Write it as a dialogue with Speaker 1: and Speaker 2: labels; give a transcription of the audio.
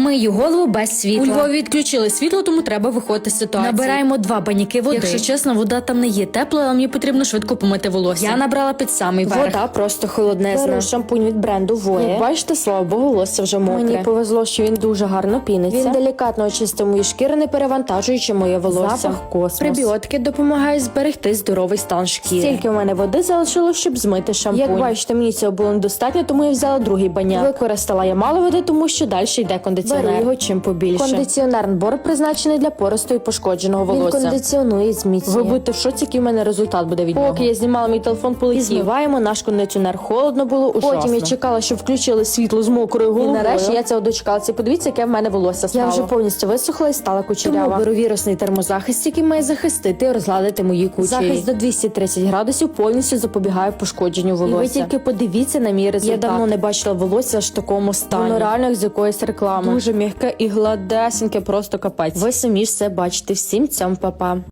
Speaker 1: Мию голову без світла.
Speaker 2: У Львові відключили світло, тому треба виходити з ситуації.
Speaker 1: Набираємо 2 баняки води.
Speaker 2: Якщо чесно, вода там не є тепла, але мені потрібно швидко помити волосся.
Speaker 1: Я набрала під самий верх.
Speaker 2: Вода просто холоднезна.
Speaker 1: Беру шампунь від бренду Voe.
Speaker 2: Як бачите, слава Богу, волосся вже мокре.
Speaker 1: Мені повезло, що він дуже гарно піниться.
Speaker 2: Він делікатно очистив мої шкіри, не перевантажуючи моє волосся.
Speaker 1: Запах космос.
Speaker 2: Пребіотики допомагають зберегти здоровий стан шкіри.
Speaker 1: Стільки
Speaker 2: в мене води залишилось, щоб змити шампунь. Як бачите, мені цього було недостатньо, тому я взяла другий баняк. Використала я мало води, тому що далі йде кондиціонер.
Speaker 1: Беру його
Speaker 2: чим побільше. Кондиціонер набор призначений для поросту і пошкодженого волосся.
Speaker 1: Він кондиціонує і зміцнює.
Speaker 2: Ви будете в шоці, який в мене результат буде від нього. Поки я знімала, мій телефон полетів. І змиваємо наш кондиціонер. Холодно було, ужасно. Потім я чекала, щоб включили світло з мокрою головою. І нарешті я цього дочекалася. Подивіться, яке в мене волосся стало. Я вже повністю висохла і стала кучерява. Тому беру вірусний термозахист, який має захистити і розгладити мої кучері. Захист до 230 градусів повністю запобігає пошкодженню волосся. І ви тільки подивіться на мій результат. Я давно не бачила волосся аж в такому стані. Воно реально як з якоїсь реклами. Дуже м'яке і гладесеньке, просто капець. Ви самі ж все бачите. Всім цьому па-па.